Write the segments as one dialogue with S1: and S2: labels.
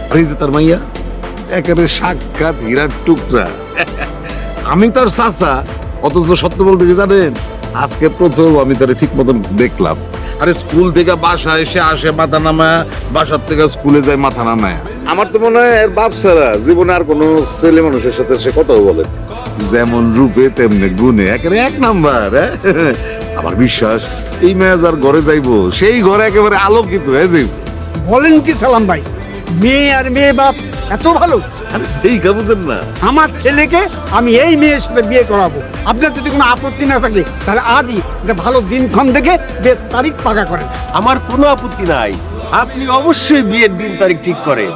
S1: আর এই যে তার মাইয়া একেবারে সাক্ষাৎ হীরার টুকরা। আমি তার চাচা, অথচ সত্য বলতে কি জানেন, আজকে প্রথম আমি তারে ঠিক মতন দেখলাম। আরে স্কুল থেকে বাসা এসে আসে মাথা নামায়, বাসার থেকে স্কুলে যায় মাথা নামায়। আমার তো মনে হয় এর বাপ ছাড়া জীবনে আর কোনো ছেলে মানুষের সাথে সে কথাও বলে। যেমন রূপে তেমনি গুণে একেবারে এক নাম্বার। আমার বিশ্বাস এই মেয়ে যার ঘরে যাইবো সেই ঘরে একেবারে আলোকিত হয়ে যাইব।
S2: বলেন কি সালাম ভাই, মেয়ে আর মেয়ে বাপ এত ভালো?
S1: আরে এই বুঝেন না,
S2: আমার ছেলেকে আমি এই মেয়ের সাথে বিয়ে করাবো। আপনার যদি কোনো আপত্তি না থাকে তাহলে আজই একটা ভালো দিনক্ষণ দেখে বিয়ের তারিখ পাকা করেন।
S3: আমার কোনো আপত্তি নাই, আপনি অবশ্যই বিয়ের দিন তারিখ ঠিক করেন।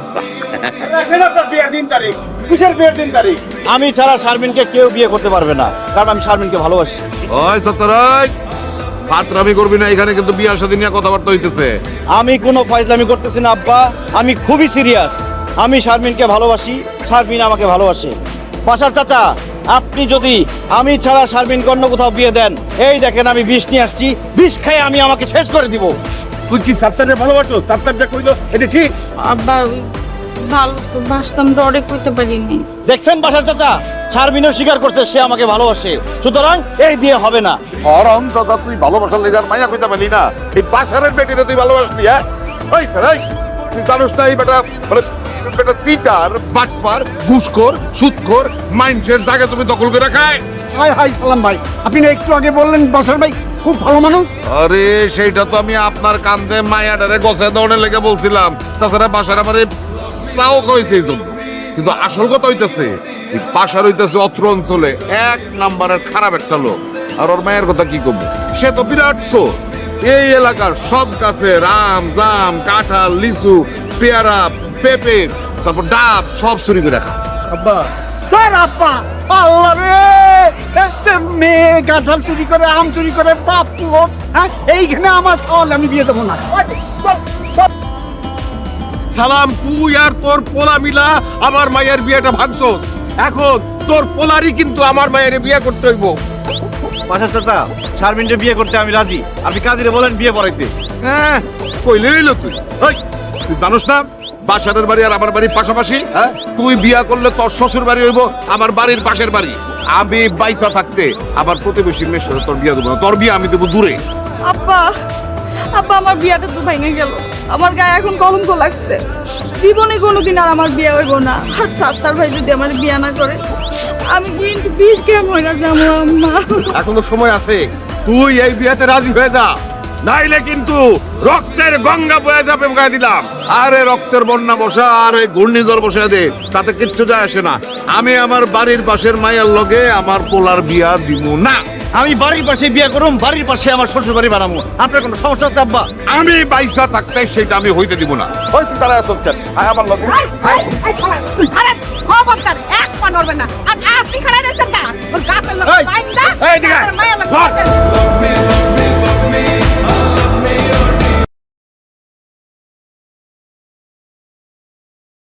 S4: আমি ছাড়া শারমিনকে কেউ বিয়ে করতে পারবে না, কারণ আমি শারমিনকে ভালোবাসি।
S1: ওই সত্যরাই ফাতরামি করবি না, এখানে কিন্তু বিয়ার সাথে নিয়ে কথাবার্তা হইতেছে।
S4: আমি কোনো ফাইজলামি করতেছি না আব্বা, আমি খুবই সিরিয়াস। আমি শারমিনকে ভালোবাসি, শারমিন আমাকে ভালোবাসে। পাশার চাচা, আপনি যদি আমি ছাড়া শারমিনকে অন্য কোথাও বিয়ে দেন, এই দেখেন আমি বিষ নিয়ে আসছি, বিষ খেয়ে আমি আমাকে শেষ করে দিব।
S3: তুই কি সাত্তারে ভালোবাসো? সাত্তার যা কইলো এটা ঠিক?
S5: আব্বা ভালো তো বাসতাম, ডরে কইতে পারিনি।
S4: দেখছেন পাশার চাচা, শারমিনও স্বীকার করছে সে আমাকে ভালোবাসে, সুতরাং এই বিয়ে হবে না।
S1: অরম দাদা, তুই ভালোবাসার লেগার মাইয়া কইতে পারলি না, এই বাসারের বেটিরে তুই ভালোবাসলি? হ্যাঁ ওই সরাই, তুই জানোস না এই বেটা মানে বেটা চিটার, বাটপার, ঘুষখোর, সুদখোর, মাইন্ডসের জায়গা তুমি দখল করে রাখায়।
S2: হাই হাই সালাম ভাই, আপনি না একটু আগে বললেন বাসার ভাই খুব ভালো মানুষ।
S1: আরে সেইটা তো আমি আপনার কান্দে মায়াটারে গছায় দৌড়ে লেগে বলছিলাম, তাছাড়া বাসার আমারে তাও কইছে এই জন্য। কিন্তু আসল কথা হইতেছে এই বাসার হইতেছে অত্র অঞ্চলে এক নাম্বারের খারাপ একটা লোক। আর ওর মায়ের কথা কি কমবে, সে তো বিরাট চোর। এই এলাকার সব গাছে আম, জাম, কাঁঠাল, লিচু, পেয়ারা, পেঁপে, তারপর ডাব সব চুরি করে রাখা।
S3: আব্বা
S2: তার আপা আল্লাহ রে, একটা মেয়ে কাঁঠাল চুরি করে, আম চুরি করে, বাপ চোর। হ্যাঁ, এইখানে আমার সওয়াল, আমি বিয়ে দেবো না।
S3: সালাম, তুই আর তোর পোলা মিলা আমার মায়ের বিয়েটা ভাগছস। এখন তোর পোলারই কিন্তু আমার মায়ের বিয়ে করতে হইব।
S4: পাশার চাচা, শারমিনকে বিয়ে করতে আমি রাজি, আপনি কাজীরে বলেন বিয়ে পড়াইতে।
S1: হ্যাঁ কইলে হইলো তুই। ওই, তুই জানোস না বাসারের বাড়ি আর আমার বাড়ির পাশাপাশি? হ্যাঁ, তুই বিয়া করলে তোর শ্বশুর বাড়ি হইব আমার বাড়ির পাশের বাড়ি। আমি বাইতা থাকতে আবার প্রতিবেশীর মেয়ের সাথে তোর বিয়া দেবো না, তোর বিয়া আমি দেবো দূরে।
S5: আব্বা আব্বা আমার বিয়াটা তো ভেঙে গেল, আমার গায়ে এখন কলঙ্ক লাগছে। জীবনে কোনোদিন আর আমার বিয়ে হইব না। আচ্ছা তার ভাই যদি আমার বিয়ে না করে, আমি কিন্তু বিষ কেমন হয়ে গেছে আমার আম্মা।
S3: এখনো সময় আছে, তুই এই বিয়েতে রাজি হয়ে যা, নাইলে কিন্তু রক্তের গঙ্গা বয়ে যাবে বলে দিলাম।
S1: আরে রক্তের বন্যা বসা আর এই ঘূর্ণিঝড় বসে দে, তাতে কিচ্ছু যায় আসে না। আমি আমার বাড়ির পাশের মায়ের লগে আমার পোলার বিয়া দিব না।
S4: আমি বাড়ির পাশে বিয়ে করুম, বাড়ির পাশে আমার শ্বশুর বাড়ি বানাবো। আপনার কোনো সমস্যা আছে আব্বা?
S1: আমি বাইসা থাকতে সেটা আমি হইতে দিব না।
S3: ওই তুই তারা চলছেন আমার লগে।
S6: আরে খবরদার এক পা নড়বে না। আর আপনি খাড়া রয়েছেন না, ওর গাছের লোক
S3: এই,
S6: বাইন্দা
S3: এই দিকে
S6: আর মায়ের লোক
S3: ধর।